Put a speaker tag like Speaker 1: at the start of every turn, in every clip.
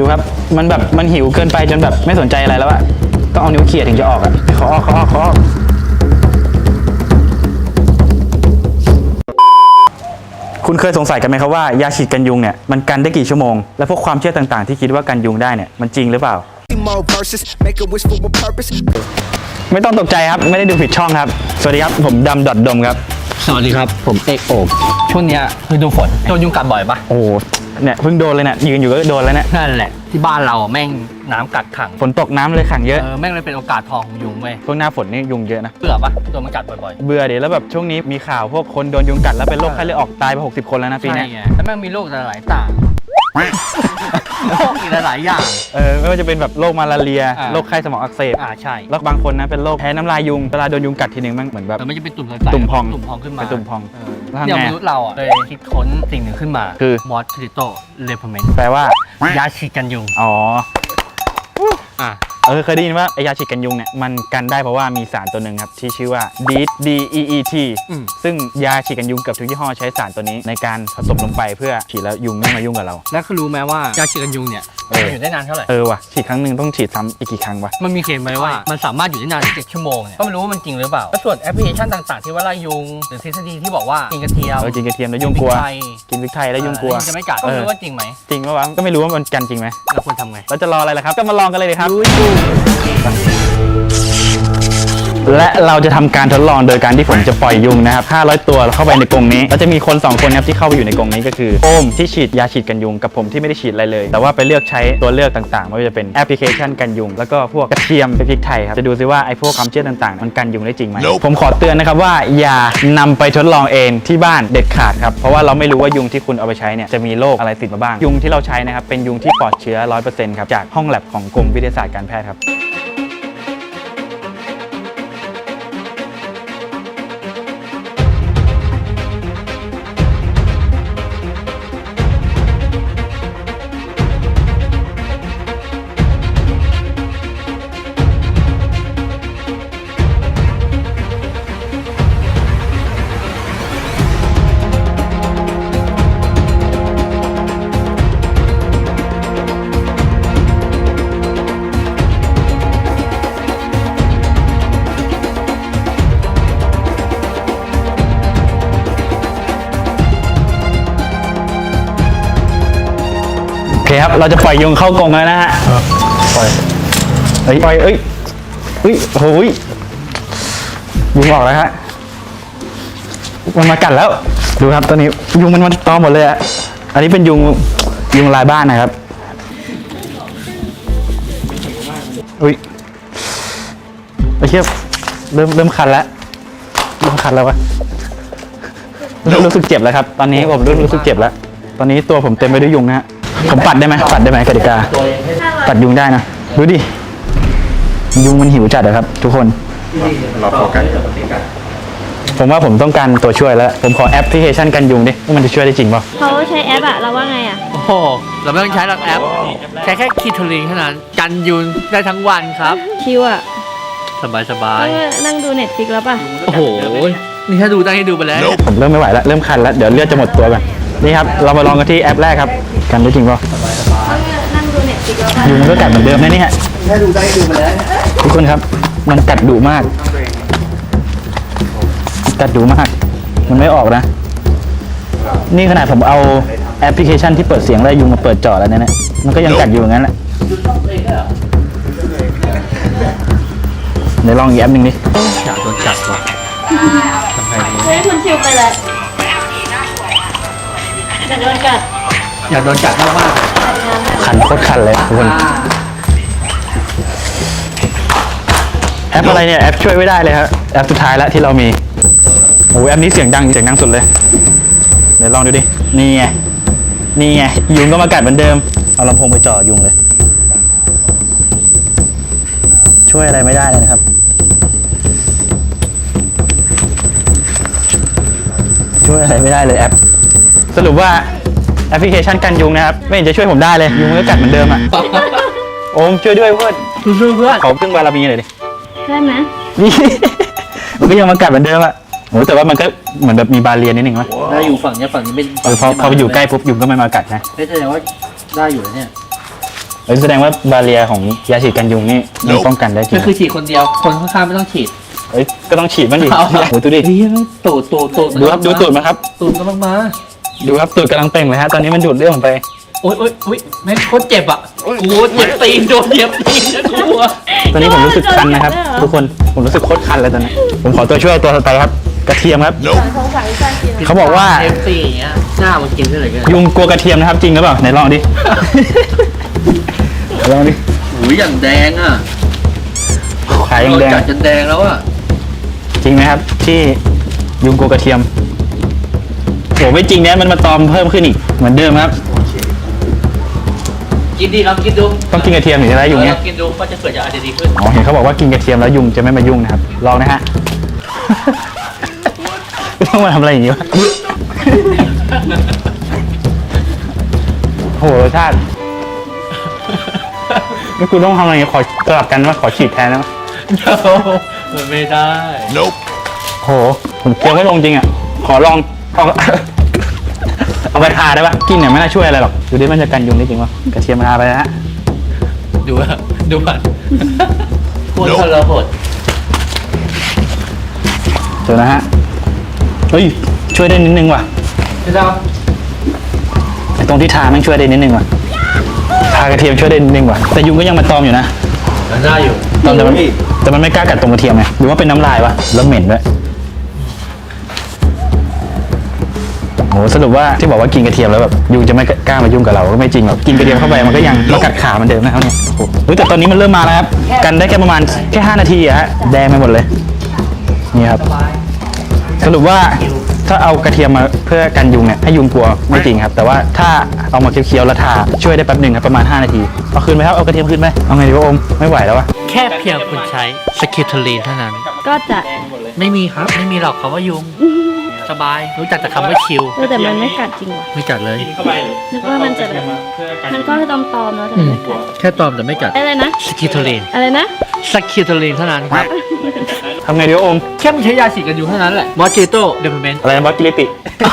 Speaker 1: ดูครับมันแบบมันหิวเกินไปจนแบบไม่สนใจอะไรแล้วอะต้องเอานิ้วเขี่ยถึงจะออกอะขอออกคุณเคยสงสัยกันไหมครับว่ายาฉีดกันยุงเนี่ยมันกันได้กี่ชั่วโมงและพวกความเชื่อต่างๆที่คิดว่ากันยุงได้เนี่ยมันจริงหรือเปล่าไม่ต้องตกใจครับไม่ได้ดูผิดช่องครับสวัสดีครับผมดำดมครับ
Speaker 2: สวัสดีครับผมเอกโอบช่วงนี้คือดูฝนโดนยุงกัดบ่อยปะ
Speaker 1: โอ้เนี่ยเพิ่งโดนเลยเนี่ยยืนอยู่ก็โดนแล้วเนี่ย
Speaker 2: นั่นแหละที่บ้านเราแม่งน้ำกัดขัง
Speaker 1: ฝนตกน้ำเลยขังเยอะ
Speaker 2: แม่งเลยเป็นโอกาสทองของยุงเว้ย
Speaker 1: ช่วงหน้าฝนนี่ยุงเยอะนะ
Speaker 2: เบื่อปะโดนมันกัดบ่อย
Speaker 1: ๆเบื่อเดี๋ยวแล้วแบบช่วงนี้มีข่าวพวกคนโดนยุงกัดแล้วเป็นโรคไข้เลือดออกตายไป60 คนแล้วนะปีนี้
Speaker 2: แล้วแม่งมีโรคหลายต่างโรคอีกหลายอย่าง
Speaker 1: ไม่ว่าจะเป็นแบบโรคมาลาเรียโรคไข้สมองอักเสบ
Speaker 2: ใช่
Speaker 1: แล้วบางคนนะเป็นโรคแพ้น้ำลายยุงเวลาโดนยุงกัดทีนึงมันเหมือนแบบ
Speaker 2: มันจะเป็นตุ่มใส
Speaker 1: ตุ่มพอง
Speaker 2: ขึ้นมา
Speaker 1: เป็นตุ่มพอง
Speaker 2: อย่างมนุษย์เราเลยคิดค้นสิ่งหนึ่งขึ้นมา
Speaker 1: คือ
Speaker 2: มอสคิโตเลเพเมนต์
Speaker 1: แปลว่
Speaker 2: ายาฉีดกันยุง
Speaker 1: เคยได้ยินว่าไอยาฉีดกันยุงเนี่ยมันกันได้เพราะว่ามีสารตัวหนึ่งครับที่ชื่อว่า DEET ซึ่งยาฉีดกันยุงเกือบทุกยี่ห้อใช้สารตัวนี้ในการผสมลงไปเพื่อฉีดแล้วยุงไม่มายุ่งกับเรา
Speaker 2: แล้วคือรู้ไหมว่ายาฉีดกันยุงเนี่ยอยู่ได้นานเท่าไหร่
Speaker 1: ว่ะฉีดครั้งหนึ่งต้องฉีดซ้ำอีกกี่ครั้งวะ
Speaker 2: มันมีเขียนไว้ว่ามันสามารถอยู่ได้นาน7 ชั่วโมงเนี่ยก็ไม่รู้ว่ามันจริงหรือเปล่าแล้วส่วนแอปพลิเคชันต่างๆที่ว่าไล่ยุงหรือทฤษฎีที่บอกว่ากินกระเทียม
Speaker 1: กินกระเทียมแล้วยุงกลัวกินพริกไทยแล้วยุงกลัว
Speaker 2: จะไม่กัดก็ไม่รู้ว่าจริงไหม
Speaker 1: จริงปะวะก็ไม่รู้ว่ามันกันจริงไหม
Speaker 2: เราควรทำไง
Speaker 1: เราจะรออะไรล่ะครับก็มาลองกันเลยเลยครับและเราจะทำการทดลองโดยการที่ผมจะปล่อยยุงนะครับ500 ตัวเข้าไปในกรงนี้แล้วจะมีคน2 คนครับที่เข้าไปอยู่ในกรงนี้ก็คือโอมที่ฉีดยาฉีดกันยุงกับผมที่ไม่ได้ฉีดอะไรเลยแต่ว่าไปเลือกใช้ตัวเลือกต่างๆไม่ว่าจะเป็นแอปพลิเคชันกันยุงแล้วก็พวกกระเทียมพริกไทยครับจะดูซิว่าไอ้พวกความเชื่อต่างๆมันกันยุงได้จริงไหม ผมขอเตือนนะครับว่าอย่านำไปทดลองเองที่บ้านเด็ดขาดครับเพราะว่าเราไม่รู้ว่ายุงที่คุณเอาไปใช้เนี่ยจะมีโรคอะไรติดมาบ้างยุงที่เราใช้นะครับเป็นยุงที่ปลอดเชื้อ 100% ครับจากห้องแลบของกรมวิทยาศาสตร์การแพทย์ครับโอเคครับเราจะปล่อยยุงเข้ากรงแล้วนะฮะปล่อยโอ้ยยุงออกแล้วฮะมันมากัดแล้วดูครับตอนนี้ยุงมันตอมหมดเลยอะอันนี้เป็นยุงลายบ้านนะครับไอ้เชี่ยเริ่มคันแล้ววะเริ่มรู้สึกเจ็บแล้วครับตอนนี้ผมรู้สึกเจ็บแล้วตอนนี้ตัวผมเต็มไปด้วยยุงนะฮะผมปัดได้ไหมกติกาปัดยุงได้นะดูดิยุงมันหิวจัดเลยครับทุกคนเราโฟกัสผมว่าผมต้องการตัวช่วยแล้วผมขอแอปพลิเคชันกันยุงดิว่ามันจะช่วยได้จริงป่ะ
Speaker 3: เขาใช้แอปอะเราว่าไงอะ
Speaker 2: โอ้โหเราไม่ต้องใช้หลักแอปใช้แค่คีโทลิงเท่านั้นกันยุงได้ทั้งวันครับ
Speaker 3: ชิวอะ
Speaker 2: สบาย
Speaker 3: นั่งดูเน็ตฟลิกแล้วป่ะ
Speaker 2: โอ้โหนี่ถ้าดูได้ให้ดูไปแล้ว
Speaker 1: ผมเริ่มไม่ไหวแล้วเริ่มคันแล้วเดี๋ยวเลือดจะหมดตัวกันนี่ครับเรามาลองกันที่แอปแรกครับกันได้จริงป่ะ
Speaker 3: นั่งดูเน็ตฟลิกแล้ว
Speaker 1: ยุงมันก็กัดเหมือนเดิมนะนี่ฮะ
Speaker 2: ถ้าดูได้ให้ดูไปแล้ว
Speaker 1: ทุกคนครับมันกัดดุมากมันไม่ออกนะนี่ขนาดผมเอาแอปพลิเคชันที่เปิดเสียงไล่ยุงมาเปิดจอแล้วเนี่ยมันก็ยังกัดอยู่อย่างนั้นแหละเดี๋ยวลองอีกแอปหนึ่งดิ
Speaker 2: อยากโดนกัดว่ะ
Speaker 3: คุณชิวไปเลยอยากโดน
Speaker 2: กัดมาก
Speaker 1: คันโคตรคันเลยทุกคนแอปอะไรเนี่ยแอปช่วยไม่ได้เลยครับแอปสุดท้ายแล้วที่เรามีโอ้แอปนี้เสียงดังสุดเลยเดี๋ยวลองดูดินี่ไงยุงก็มากัดเหมือนเดิมเอาลำโพงไปจ่อยุงเลยช่วยอะไรไม่ได้เลยนะครับช่วยอะไรไม่ได้เลยแอปสรุปว่าแอปพลิเคชันกันยุงนะครับไม่เห็นจะช่วยผมได้เลยยุงก็กัดเหมือนเดิมอ่ะโอมช่วยด้วยเพื่อนขอพึ่งบารมีหน่อยดิ
Speaker 3: ได้ไหม
Speaker 1: นี่มันก็ยังมากัดเหมือนเดิมอ่ะโหแต่ว่ามันก็เหมือนแบบมีบาเรียนนิดนึงวะ
Speaker 2: ได้อยู่ฝั่งนี้ไม่
Speaker 1: พอไปอยู่ใกล้ปุ๊บยุงก็ไม่มากัดนะ
Speaker 2: แสดงว่าได้อยู่เนี่ย
Speaker 1: แสดงว่าบาเรียของยาฉีดกันยุงนี่มันป้องกันได้จริ
Speaker 2: ก็
Speaker 1: ง
Speaker 2: คือฉีดคนเดียวคนข้างๆไม่ต้องฉีด
Speaker 1: เอ้ยก็ต้องฉีดบ้างดิ
Speaker 2: เอา
Speaker 1: โอ้ยดูดิ
Speaker 2: เฮ้ยตูด
Speaker 1: ดูครับดูตูดมาครับ
Speaker 2: ตูดกำลังมา
Speaker 1: ดูครับตูดกำลังเป่งเลยฮะตอนนี้มันดูดเลือดผมไป
Speaker 2: โอ๊ยแม่งโคตรเจ็บอ่ะกูเจ็บตีนโดนเหยียบตีนนะกูอะ
Speaker 1: ตอนนี้ผมรู้สึกคันนะครับ ทุกคนผมรู้สึกโคตรคันเลยตอนนี้ผมขอตัวช่วยตัวต่อไปครับ กระเทียมครับ
Speaker 3: สงสัยการกิน
Speaker 1: เขาบอกว่า
Speaker 2: เอฟซีอย่างเงี้ยหน้ามันกินได้เลยกัน
Speaker 1: ยุงกลัวกระเทียมนะครับจริงหรือเปล่าไหนลองดิ ลองดิ
Speaker 2: หูยอย่างแดงอ่ะ
Speaker 1: ขายยังแดง
Speaker 2: จัดจนแดงแล้วอ่ะ
Speaker 1: จริงไหมครับ ที่ยุงกลัวกระเทียมโหไม่จริงเนี่ยมันมาตอมเพิ่มขึ้นอีกเหมือนเดิมครับ
Speaker 2: กินดีครับกินดู
Speaker 1: ต้องกินกระเทียมถึงจะได้ยุงเนี่ย
Speaker 2: กินดูก็จะเกิดจากอะไรดีขึ้น
Speaker 1: อ๋อเห็นเขาบอกว่ากินกระเทียมแล้วยุงจะไม่มายุ่งนะครับลองนะฮะ ต้องมาทำอะไรอย่างนี้วะโหรสชาตินี่กูต้องทำอะไรอย่างนี้ขอสลับกันว่าขอฉีดแทนนะ
Speaker 2: มันไม่ได้
Speaker 1: โหผมเคี้ยวไม่ลงจริงอ่ะขอลองเอาเอาไปทาได้ปะกินเนี่ยไม่น่าช่วยอะไรหรอกดูดิมันจะกันยุงได้จริงวะกระเทียมมาทาไปนะฮะ
Speaker 2: ดูอ่ะดูอ่ะโคตรทรหด
Speaker 1: เจอนะฮะเฮ้ยช่วยได้นิดนึงว่ะ
Speaker 2: พี่ดาว
Speaker 1: ไอ้ตรงที่ทาแม่งช่วยได้นิดนึงว่ะทากระเทียมช่วยได้นิดนึงว่ะแต่ยุงก็ยังมาตอมอยู่นะ
Speaker 2: มันได้อยู่
Speaker 1: ตอมแต่มันไม่กล้ากัดตรงกระเทียมไงหรือว่าเป็นน้ำลายวะแล้วเหม็นด้วยโหสรุปว่าที่บอกว่ากินกระเทียมแล้วแบบยุงจะไม่กล้ามายุ่งกับเราก็ไม่จริงหรอกกินกระเทียมเข้าไปมันก็ยังมากัดขามันเดิมนะครับเนี่ยโอ้โหเฮ้ยแต่ตอนนี้มันเริ่มมาแล้วครับกันได้แค่ประมาณแค่5 นาทีอะฮะแดงไปหมดเลยนี่ครับสรุปว่าถ้าเอากระเทียมมาเพื่อกันยุงเนี่ยให้ยุงกลัวไม่จริงครับแต่ว่าถ้าเอามาเคี้ยวๆแล้วทาช่วยได้แป๊บหนึ่งครับประมาณ5 นาทีเอาคืนไหมครับเอากระเทียมคืนไหมเอาไงดีวะโอมไม่ไหวแล้ววะ
Speaker 2: แค่เพียงคุณใช้สกิทเทอรีนเท่านั้น
Speaker 3: ก็จะ
Speaker 2: ไม่มีครับไม่มีหรอกคำว่ายุงสบายรู้จักแต่คำว่าชิล
Speaker 3: แต่มันไม่กัดจริงว่ะ
Speaker 2: ไม่กัดเลย
Speaker 3: นึกว่ามันจะแบบมันก็ตอมๆแล้วแต่ไม่กัด
Speaker 2: แค่ตอมแต่ไม่กัด
Speaker 3: อะไรนะ
Speaker 2: สกิทเทอรีน
Speaker 3: อะไรนะ
Speaker 2: สกิทเทอรีนเท่านั้นครับ
Speaker 1: ทำไงดีวะโอม
Speaker 2: แค่มันใช้ยาฉีดกันยุงเท่านั้นแหละมอจิโต้เดพเมนต์
Speaker 1: อะไรนะบัคกิลิติ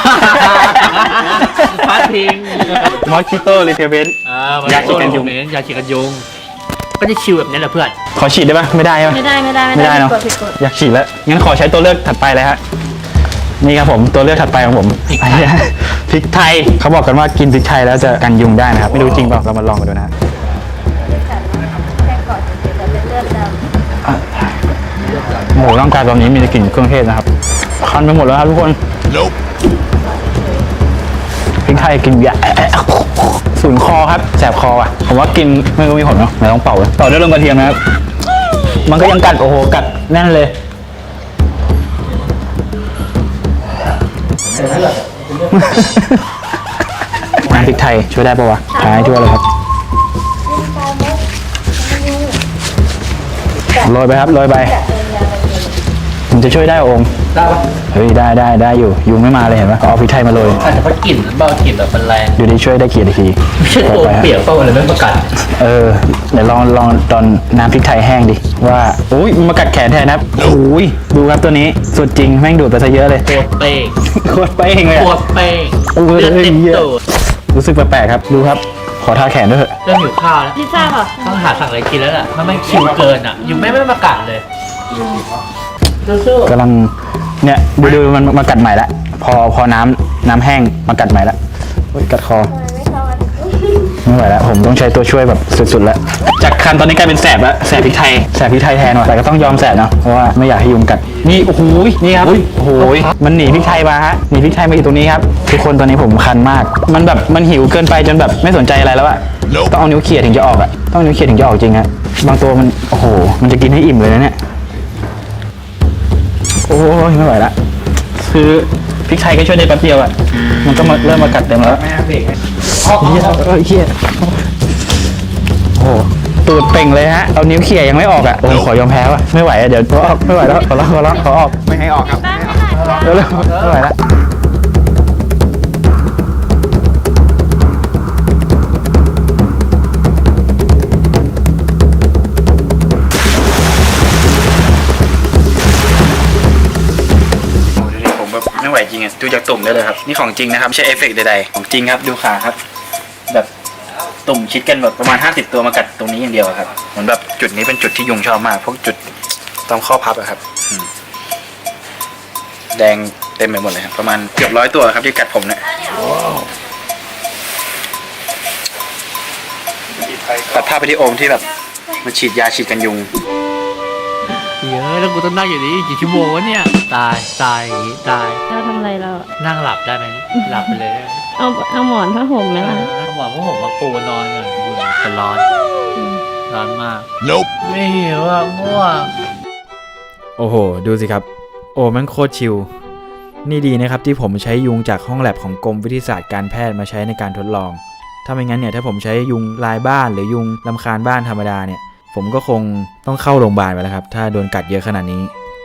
Speaker 2: พาดพิง
Speaker 1: มอสคิโตรีเทเวน
Speaker 2: ยาฉีดกันยุงยาฉีดกันยุงก็จะชิลแบบนี้แหละเพื่อน
Speaker 1: ขอฉีดได้ปะไม่ได้ใช่ปะ
Speaker 3: ไม่ได้
Speaker 1: ไม่ได้เนอะ
Speaker 3: ผิดกฎ
Speaker 1: อยากฉีดแล้ว งั้นขอใช้ตัวเลือกถัดไปเลยฮะ นี่ครับผมตัวเลือกถัดไปของผมพริกไทยเขาบอกกันว่ากินพริกไทยแล้วจะกันยุงได้นะครับ ไม่รู้จริงเปล่าเรามาลองกันดูนะฮะ
Speaker 3: แค่กอดเฉยๆแต่เป็นเลือดดำ
Speaker 1: โอ้โหร่างกายตอนนี้มีแต่กลิ่นเครื่องเทศนะครับ คันไปหมดแล้วครับทุกคนพริกไทยกินยาสูญคอครับแสบคออ่ะผมว่ากินไม่รู้มีผลเนาะไหนต้องเป่าเลยต่อด้วยลงกระเทียมนะครับ มันก็ยังกัดโอ้โหกัดแน่นเลย น้ำพริกไทยช่วยได้ปะวะทาให้ทั่วเลยครับโรยไปครับโรยไปมันจะช่วยได้องค์
Speaker 2: ได้ปะ
Speaker 1: เฮ้ยได้อยู่ยุงไม่มาเลยเห็นปะเอาพริกไทยมาโรย
Speaker 2: อาจจะเพราะกลิ่นเบากลิ่นแบบมันแรง
Speaker 1: ดูดิช่วยได้กี่นาที
Speaker 2: ไม่ใช่ตัวเปียกเปล่าอะไรไม่ประกัด
Speaker 1: เดี๋ยวลองตอนน้ำพริกไทยแห้งดิว่าอุ้ยมันมากัดแขนแทนนะครับโอ้ยดูครับตัวนี้สุดจริงแม่งดูดไปซะเยอะเลย
Speaker 2: โคตรเป้ง
Speaker 1: โคตรเป้งเลย
Speaker 2: โค
Speaker 1: อะ
Speaker 2: ตรเป้ง
Speaker 1: โอ้ย
Speaker 2: เลือดเต็ม
Speaker 1: เยอะ
Speaker 2: ตูด
Speaker 1: รู้สึกแปลกๆครับดูครับขอทาแขนด้วยเถอะ
Speaker 2: เริ่มหิวข้าวแล้ว
Speaker 3: พิซซ่าเปล่ะ
Speaker 2: ต้องหาสั่งอะไรกินแล้วล่ะมันไม่ชิวเกินอ่ะยุงไม่มากัดเลยสู้
Speaker 1: กำลังเนี่ยดูมันมากัดใหม่ละพอน้ำแห้งมากัดใหม่ละโอ้ยกัดคอไม่ไหวแล้วผมต้องใช้ตัวช่วยแบบสุดๆแล้วจากคันตอนนี้กลายเป็นแสบแล้วแสบพริกไทยแทนว่ะแต่ก็ต้องยอมแสบเนาะเพราะว่าไม่อยากให้ยุงกัดนี่โอ้โหนี่ครับโอ้โหมันหนีพริกไทยมาฮะหนีพริกไทยมาอยู่ตรงนี้ครับทุกคนตอนนี้ผมคันมากมันแบบมันหิวเกินไปจนแบบไม่สนใจอะไรแล้วอะต้องเอานิ้วเขี่ยถึงจะออกอะต้องนิ้วเขี่ยถึงจะออกจริงฮะบางตัวมันโอ้โหมันจะกินให้อิ่มเลยนะเนี่ยโอ้ยไม่ไหวละคือพริกไทยก็ช่วยได้แป๊บเดียวอะมันก็เริ่มมากัดเต็มแล้ว
Speaker 2: ๆไม่เอาเบรก
Speaker 1: เฮียโอ้โหตูดเป่งเลยฮะเอานิ้วเขี่ยยังไม่ออกอ่ะโอ้ขอยอมแพ้ว่ะไม่ไหวอ่ะเดี๋ยวขอออกไม่ไหวแล้วขอออกไม่ให้ออกครับเร็วๆไม่ไหวแล้วผมแบบไม่ไหวจริงอ่ะดูจากตุ่มได้เลยครับนี่ของจริงนะครับไม่ใช่เอฟเฟกต์ใดๆของจริงครับดูขาครับแบบตุ่มชิดกันแบบประมาณ50ตัวมากัดตรงนี้อย่างเดียวครับเหมือนแบบจุดนี้เป็นจุดที่ยุงชอบมากพวกจุดตรงข้อพับอะครับแดงเต็มไปหมดเลยครับประมาณเกือบ100 ตัวครับที่กัดผมเนี่ยตัดภาพไปที่โอมที่แบบมันฉีดยาฉีดกันยุง
Speaker 2: เยอะแล้วกูต้องนั่งอยู่นี่กี่ชั่วโมงวะเนี่ยตายอย่างนี้ตาย
Speaker 3: เราทำอะไรเรา
Speaker 2: นั่งหลับได้ไหมหลับไปเลยได้ไหม
Speaker 3: เอาหมอนผ้าห่มไหมล่ะ
Speaker 2: หมอนพวกผมมาปูนอนก่อนแต่ร้อนมากไม่หิวอ่ะง่วง
Speaker 1: โอ้โหดูสิครับโอ้มันโคตรชิลนี่ดีนะครับที่ผมใช้ยุงจากห้องแลบของกรมวิทยาศาสตร์การแพทย์มาใช้ในการทดลองถ้าไม่งั้นเนี่ยถ้าผมใช้ยุงลายบ้านหรือยุงรำคาญบ้านธรรมดาเนี่ยผมก็คงต้องเข้าโรงพยาบาลไปแล้วครับถ้าโดนกัดเยอะขนาดนี้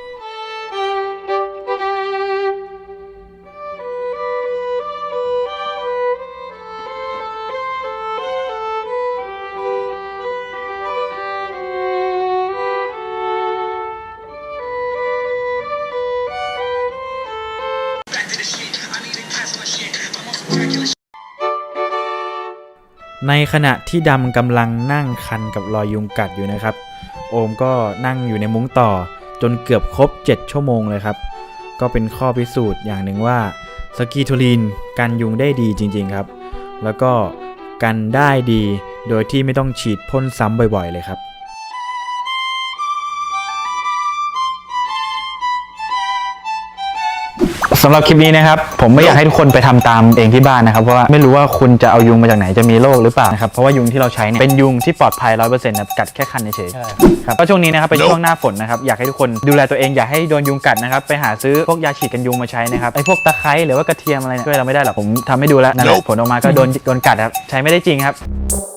Speaker 1: ในขณะที่ดำกำลังนั่งคันกับรอยยุงกัดอยู่นะครับโอมก็นั่งอยู่ในมุ้งต่อจนเกือบครบ7 ชั่วโมงเลยครับก็เป็นข้อพิสูจน์อย่างหนึ่งว่าสกีโทลีนกันยุงได้ดีจริงๆครับแล้วก็กันได้ดีโดยที่ไม่ต้องฉีดพ่นซ้ำบ่อยๆเลยครับสำหรับคลิปนี้นะครับผมไม่อยากให้ทุกคนไปทำตามเองที่บ้านนะครับเพราะว่าไม่รู้ว่าคุณจะเอายุงมาจากไหนจะมีโรคหรือเปล่านะครับเพราะว่ายุงที่เราใช้เนี่ยเป็นยุงที่ปลอดภัย 100% นะกัดแค่คันเฉยๆครับก็ช่วงนี้นะครับเป็นช่วงหน้าฝนนะครับอยากให้ทุกคนดูแลตัวเองอย่าให้โดนยุงกัดนะครับไปหาซื้อพวกยาฉีดกันยุงมาใช้นะครับไอ้พวกตะไคร้หรือว่ากระเทียมอะไรเนี่ยช่วยเราไม่ได้หรอกผมทำให้ดูแล้วนั่นแหละผลออกมาก็โดนกัดครับใช้ไม่ได้จริงครับ